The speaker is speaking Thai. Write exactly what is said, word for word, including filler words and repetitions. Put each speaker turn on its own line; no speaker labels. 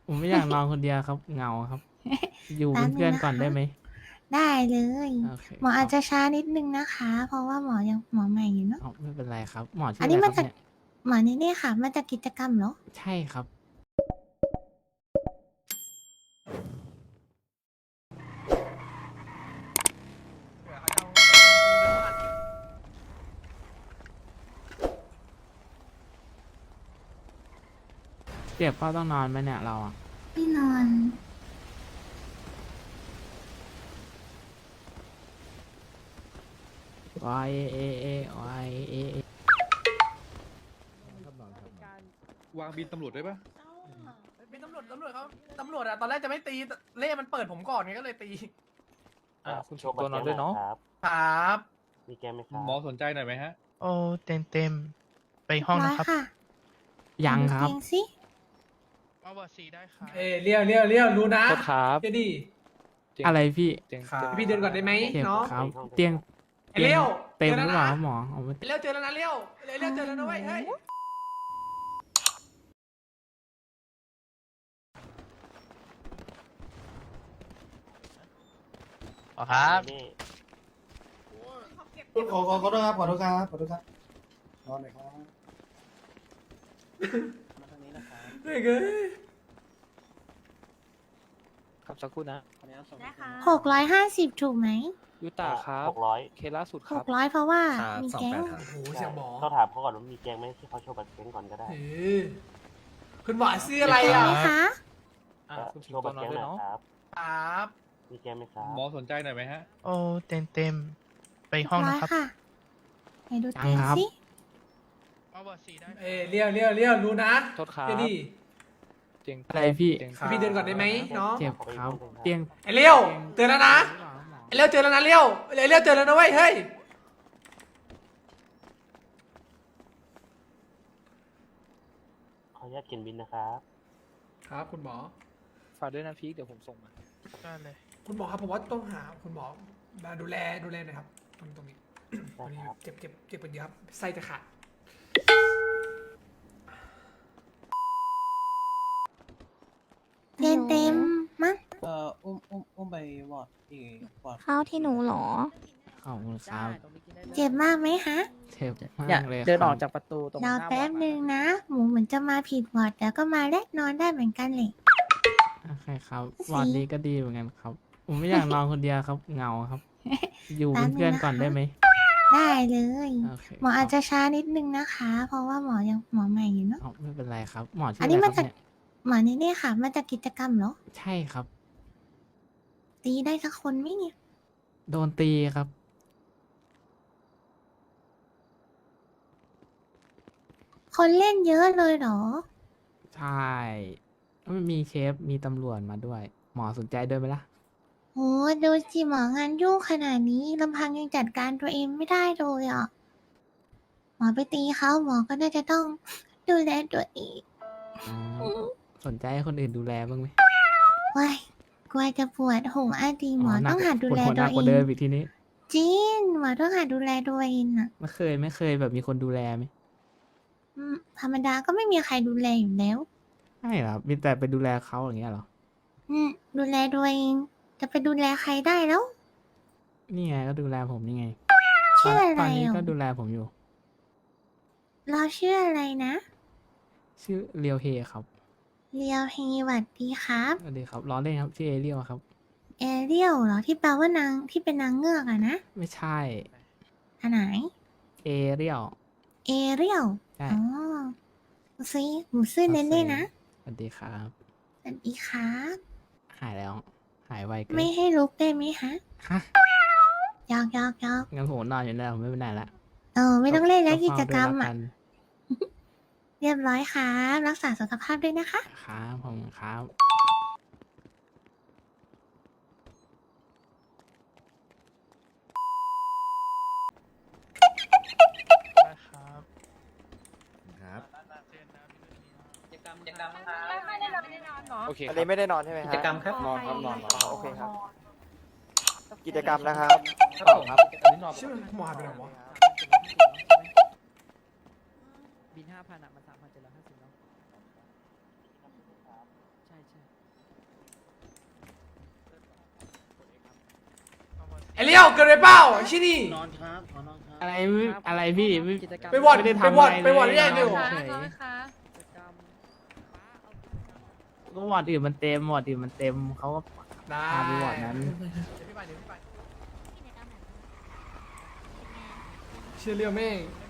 ผมไม่อยากนอนคนเดียวครับเหงาครับ อยู่เป็น
แป๊บนึ
เพื่อง น
นะ
ก่อน
คะ
ได้ไหม
ได้เลย
โอเค
หมอ
ค
อา
รั
จ
บ
จะช้านิดนึงนะคะ เพราะว่าหมอยังหมอใหม่อยู่เนาะ
อ้าว ไม่เป็นไรครับ หมอชื่
อั
อ
น
อะ
นี้
ไร
ม
ค
า
รับ
จาก
เนี่ย?
หมอนี่เนี่ยค่ะ มาจากกิจกรรมเหรอ?
ใช่ครับ เจ็บเปล่า ต้องนอนไหมเนี่ยเราอะ?
ไม่นอน
Y A A Y A A
วางบินตำรวจได้ปะ
เป็นตำรวจตำรวจเขาตำรวจอะตอนแรกจะไม่ตีเล่มันเปิดผมก่อนไงก็เลยตี
อ่าคุณโชว์ตัวนอนด้วยเนาะ
ครับ
มีแกมไหมครับ
หมอสนใจหน่อยไหมฮะ
โอ้เต็มเต็มๆไปห้องนะครับ
ค่ะ
ยัง
ดู
ครับ
เตียงสิ
เอาบอร์ดสีได้ครับ
เอ้ยเลี้ยวเลี้ยวเลี้ยวรู้นะ
โทษครับ
เจดี
อะไรพี่
เตียง
ครับ
เตียง
พี่เดินก่อนได้ไหม
เจ็บ
น้อง
ครับ เตียง
ไอ้เลี้ยว
เต็ม
เจอ
ห
แล้
รือ
ว
เปล่า
นะ
ครับหมอเอาไม่
ไอ้เลี้ยวเจอแล้วนะเลี้ยวไอ้เลี้ยวเจอแล้วนะเว้ยเฮ้ย
อ๋อครับ
นี่
ขอขอขอโทษครับขอโทษครับขอโทษครับนอนหน่อยครับ
มาทางนี้นะครับ
เฮ้ยเอ้ย
ครับสักครู่นะ
หกร้อยห้าสิบถูกไหม
ยูตาครับหกร้อยเคสล่าสุดค
ห
รับ
กร้อยเพราะว่ามีแก๊ง
โอ้โหเสียงหมอ
ต้องถามเขาก่อนว่ามีแกงไหมที่เขาโชว์บัตรแกงก่อนก็ได้
เออคุณหมอซื้ออะไรอ่ะ
ไหมคะ
อ่าคุณโชว์บัตรแกงหน่อยครับ
ครับ
มีแกงไหมครับ
หมอสนใจหน่อยไหมฮะ
โอ้เต็มเต็มๆไปห้อง
ร้อ
นะ
ย
ครับ
ค่ะไหนดูเตียงสิ
เอาบอร์ดสีได้ครับ
เอ้ยเลี้ยวเลี้ยวเลี้ยวรู้นะ
โทษครับ
เจดี
เตียง
อะไรพี่
เตียง
พี่เดินก่อนได้ไหมน้อง
เจ็บครับ เตียง
ไอ้เลี้ยวเจอแล้วนะไอ้เลี้ยวเจอแล้วนะเลี้ยวไอ้เลี้ยวเจอแล้วนะเว้ยเฮ้ย
ขออนุญาตเขียนบินนะครับ
ครับคุณหมอ
ฝากด้วยนะพีคเดี๋ยวผมส่งมา
ได้เลย
คุณหมอครับผมว่าต้องหาคุณหมอมาดูแลดูแลหน่อยครับตรงตรงนี้ ตรงนี้
ครับ
เจ็บเจ็บเจ็บเป็นเยอะครับไส้จะขาด
เต็มเต็มๆมั้ง
เอ่ออุ้มอุ้มอุ้มไปวอร์ดอีกวอร์ด
เข้าที่หนูเหรอ
ขอบคุณครับ
เจ็บมากไหมคะ
เจ็บมา
เนี่ย
กเลย
เดินออก
ค
จา
รับ
กประตูตรงห
รอ
น้า
แป๊บ
อร์ด
นึงนะ หมูเหมือนจะมาผิดวอร์ดแต่ก็มาแลกนอนได้เหมือนกันเลย
โอเคครับวันนี้ก็ดีเหมือนกันครับ ผมไม่อยากนอนคนเดียวครับเหงาครับ อยู่เป็นเพื่อนก่อนได้ไหม
ได้เลย
โอเค
หมออาจ
ค
จะ
รับ
ช้านิดนึงนะคะ เพราะว่าหมอยังหมอใหม่อยู่เนาะ
อ้าวไม่เป็นไรครับ หมอชื่
อั
อน อะ
นี้
ไรค
มา
รับ
จาก
เนี่ย
หมอนี่เนี่ยค่ะ มาจากกิจกรรมเหรอ
ใช่ครับ
ตีได้สักคนไหมเนี่ย
โดนตีครับ
คนเล่นเยอะเลยเหรอ
ใช่ไม่มีเชฟมีตำรวจมาด้วย หมอสนใจด้วยไหมล่ะ
โหดูสิหมองานยุ่งขนาดนี้ลำพังยังจัดการตัวเองไม่ได้เลยอ่ะ หมอไปตีเขาหมอก็น่าจะต้อง ดูแลตัวเอง
อ๋อสนใจให้คนอื่นดูแลบ้างไหม
ว้ายกลัวจะปวดหัวอะดีหมอ
หนั
ต้องหัดดูแล
ปวหัวห
ตั
นั
ว
ก
เอก
ว่าเดิม
ง
อีกทีนี้
จริงหมอต้องหัดดูแลตัวเองอ่ะ
ไม่เคยไม่เคยแบบมีคนดูแลไหม
อืมธรรมดาก็ไม่มีใครดูแลอยู่แล้ว
ไม่หรอมีแต่ไปดูแลเขาอย่างเงี้ยเหรอ
อืมดูแลตัวเอง จะไปดูแลใครได้แล้ว
นี่ไงก็ดูแลผมนี่ไง
ชื่ออะไร
ตอนนี้
อ่ะ
ก็ดูแลผมอยู่
เราชื่ออะไรนะ
ชื่อเรียวเฮครับ
เรียวเฮหวัดดีครับ
สวัสดีครับล้อเล่นครับชื่อเอเรียวครับ
เอเรียลเหรอที่แปลว่านางที่เป็นนางเงือกอะนะ
ไม่ใช่
อันไหน
เอเรียว
เอเรียล
ใช่
อ๋อซิหนูซื่อเน้นเลยนะ
สวัสดีครับ
สวัสดีครับ
หายแล้ว หายไวเกิน
ไม่ให้ลุกได้ไหมฮะ
ฮะ
ยอกยอกยอก
งั้นผมนอนอยู่แล้วผมไม่ไปไหนละ
เออไม่ต้องเล่นแล้วกิจกรรม
เฝ้าด้วย
อ่ะ
ละน
เรียบร้อยครับรักษาสุขภาพด้วยนะคะ
ครับผมครับ
ได้ครับ
ครับ
กิจกรรมกิจกรรม
ไม่ได้นอนไม่ได้นอนเนาะ
โอเค
อันนี้ไม่ได้นอนใช่ไหม
กิ
ฮะ
จกรรมครับ
นอนครับนอน
โอเคครับ
กิจกรรมนะครับ
ครับผมครับอันนี้นอน
ชื่อหมอหายไปไหนวะ
บินห้าพันอ่ะมันสามพันเจ็ดร้อยห้าสิบเนาะใช่ใช่
ไอเลี้ยวเกินไปเปล่าไอ้ชินี่
นอนครับขอนอนครับ
อะไรไม่อะไรพี่ไม่
ไปวอด
ไม่ได้
ไป
ทำ
วอด
อะไร
ไปวอด
เลย
ได้ยังเดียว
เฉยก็วอร์ดอื่นมันเต็มวอร์ดอื่นมันเต็มเขาก็
ได้
พาไปวอร์ดนั้น
เดี๋ยวพี่ไปเดี๋ยวพี่ไปเชื่อเรื่องแม่ง